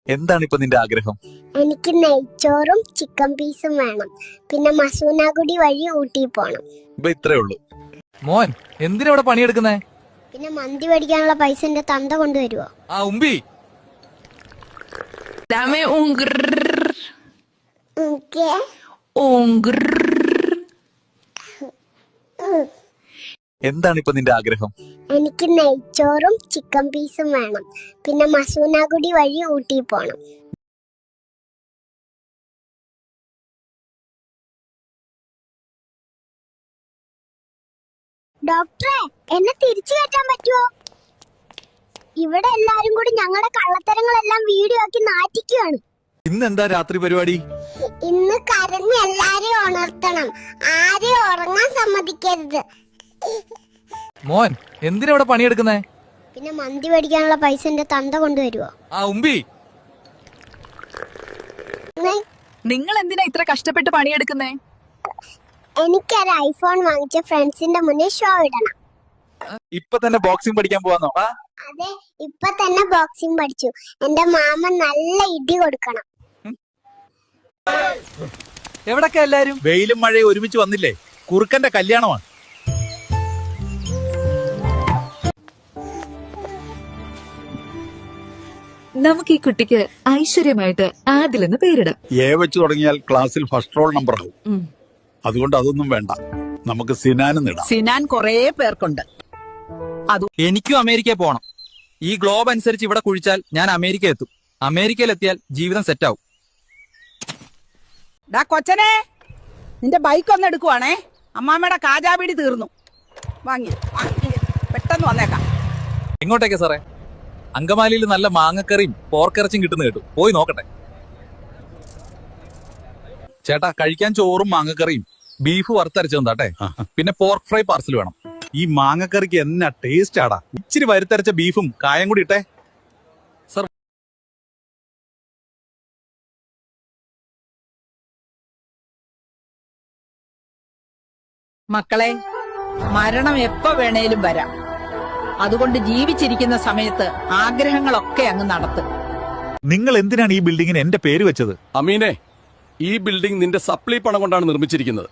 എന്താണ് ഇപ്പൊ നിന്റെ ആഗ്രഹം? എനിക്ക് നെയ്ച്ചോറും ചിക്കൻ പീസും വേണം. പിന്നെ മസൂനാഗുടി വഴി ഊട്ടി പോണം. ഇപ്പൊ ഇത്രേ ഉള്ളൂ. മോൻ എന്തിനാ ഇവിടെ പണിയെടുക്കുന്നേ? പിന്നെ മന്തി മേടിക്കാനുള്ള പൈസ എന്റെ തന്ത കൊണ്ടുവരുവോ? ആ ഉമ്പി Dame un grrr, ¿Qué? un grrr. എന്താണ് ഇപ്പൊ നിന്റെ ആഗ്രഹം? എനിക്ക് നെയ്ച്ചോറും ചിക്കൻ പീസും വേണം. പിന്നെ മസൂനാഗുടി വഴി ഊട്ടി പോണം. ഡോക്ടറെ, എന്നെ തിരിച്ചു കയറ്റാൻ പറ്റുമോ? ഇവിടെ എല്ലാരും കൂടി ഞങ്ങളുടെ കള്ളത്തരങ്ങളെല്ലാം വീഡിയോ ആക്കി നാറ്റിക്കുകയാണ്. ഇന്ന് എന്താ രാത്രി പരിപാടി? ഇന്ന് കരഞ്ഞ് എല്ലാരെയും ഉണർത്തണം. ആരെയും ഉറങ്ങാൻ സമ്മതിക്കരുത്. മോൻ എന്തിനാ ഇവിടെ പണിയെടുക്കുന്നേ? പിന്നെ മന്തി മേടിക്കാനുള്ള പൈസ എന്റെ തന്ത കൊണ്ടുവരുവോ? ആ ഉമ്പി നിങ്ങൾ എന്തിനാ ഇത്ര കഷ്ടപ്പെട്ട് പണിയെടുക്കുന്നേ? എനിക്കൊരു ഐഫോൺ വാങ്ങിച്ച ഫ്രണ്ട്സിന്റെ മുന്നിൽ ഷോ ഇടണം. ഇപ്പൊ തന്നെ ബോക്സിംഗ് പഠിക്കാൻ പോവാന്നോ? അതെ, ഇപ്പൊ തന്നെ ബോക്സിംഗ് പഠിച്ചു. എന്റെ മാമ നല്ല ഇടി കൊടുക്കണം. എവിടൊക്കെ എല്ലാരും? വെയിലും മഴയും ഒരുമിച്ച് വന്നില്ലേ? കുറുക്കന്റെ കല്യാണമാണ്. നമുക്ക് ഈ കുട്ടിക്ക് ഐശ്വര്യമായിട്ട് ആദിൽ എന്ന് പേരിടാം. എ വെച്ച് തുടങ്ങിയാൽ ക്ലാസ്സിൽ ഫസ്റ്റ് റോൾ നമ്പർ ആവും. അതുകൊണ്ട് അതൊന്നും വേണ്ട, നമുക്ക് സിനാനും ഇടാം. സിനാൻ കൊറേ പേർക്കുണ്ട്. എനിക്കും അമേരിക്കയിൽ പോണം. ഈ ഗ്ലോബ് അനുസരിച്ച് ഇവിടെ കുഴിച്ചാൽ ഞാൻ അമേരിക്ക എത്തും. അമേരിക്കയിൽ എത്തിയാൽ ജീവിതം സെറ്റാവും. ഡാ കൊച്ചനെ, നിന്റെ ബൈക്ക് ഒന്ന് എടുക്കുവാണേ. അമ്മാമ്മയുടെ കാജാബീടി തീർന്നു. വാങ്ങി പെട്ടെന്ന് വന്നേക്കാം. എങ്ങോട്ടേക്കാ സാറേ? അങ്കമാലിയിൽ നല്ല മാങ്ങക്കറിയും പോർക്കിറച്ചിയും കിട്ടുന്ന കേട്ടു. പോയി നോക്കട്ടെ. ചേട്ടാ, കഴിക്കാൻ ചോറും മാങ്ങക്കറിയും ബീഫ് വറുത്തരച്ചതാട്ടെ. പിന്നെ പോർക്ക് ഫ്രൈ പാർസൽ വേണം. ഈ മാങ്ങക്കറിക്ക് എന്നാ ടേസ്റ്റ് ആടാ. ഇച്ചിരി വരുത്തരച്ച ബീഫും കായം കൂടി ഇട്ടേ. സർ, മക്കളെ, മരണം എപ്പോ വേണേലും വരാം. അതുകൊണ്ട് ജീവിച്ചിരിക്കുന്ന സമയത്ത് ആഗ്രഹങ്ങളൊക്കെ അങ്ങ് നടത്തും. നിങ്ങൾ എന്തിനാണ് ഈ ബിൽഡിങ്ങിന് എന്റെ പേര് വെച്ചത്? അമീനെ, ഈ ബിൽഡിംഗ് നിന്റെ സപ്ലൈ പണം കൊണ്ടാണ് നിർമ്മിച്ചിരിക്കുന്നത്.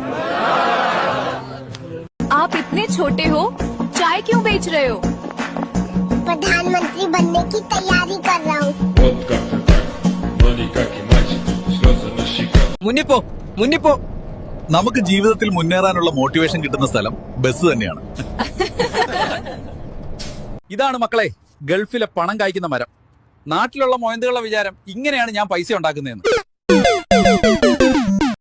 आप इतने छोटे हो, चाय क्यों बेच रहे हो? प्रधानमंत्री बनने की तैयारी कर रहा हूँ. മുന്നിപ്പോ മുന്നിപ്പോ. നമുക്ക് ജീവിതത്തിൽ മുന്നേറാനുള്ള മോട്ടിവേഷൻ കിട്ടുന്ന സ്ഥലം ബസ് തന്നെയാണ്. ഇതാണ് മക്കളെ ഗൾഫിലെ പണം കായ്ക്കുന്ന മരം. നാട്ടിലുള്ള മൊയന്തുകളുടെ വിചാരം ഇങ്ങനെയാണ് ഞാൻ പൈസ ഉണ്ടാക്കുന്നതെന്ന്.